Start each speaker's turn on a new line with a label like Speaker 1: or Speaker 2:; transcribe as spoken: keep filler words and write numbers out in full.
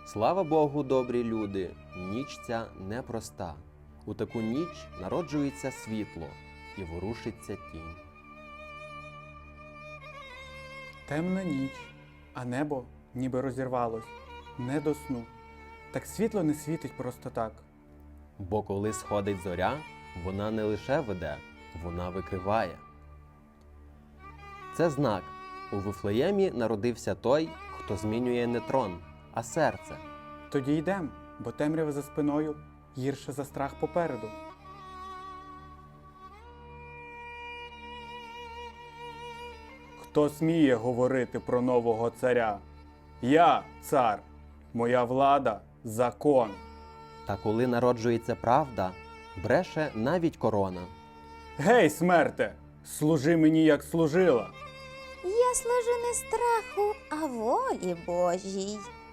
Speaker 1: Слава Богу, добрі люди, ніч ця непроста. У таку ніч народжується світло і ворушиться тінь.
Speaker 2: Темна ніч, а небо ніби розірвалось. Не до сну. Так світло не світить просто так.
Speaker 1: Бо коли сходить зоря, вона не лише веде, вона викриває. Це знак. У Вифлеємі народився той, хто змінює не трон, а серце.
Speaker 2: Тоді йдем, бо темрява за спиною гірше за страх попереду. Хто сміє говорити про нового царя? Я цар, моя влада – закон.
Speaker 1: Та коли народжується правда, бреше навіть корона.
Speaker 2: Гей, смерте, служи мені, як служила.
Speaker 3: Я служу не страху, а волі Божій.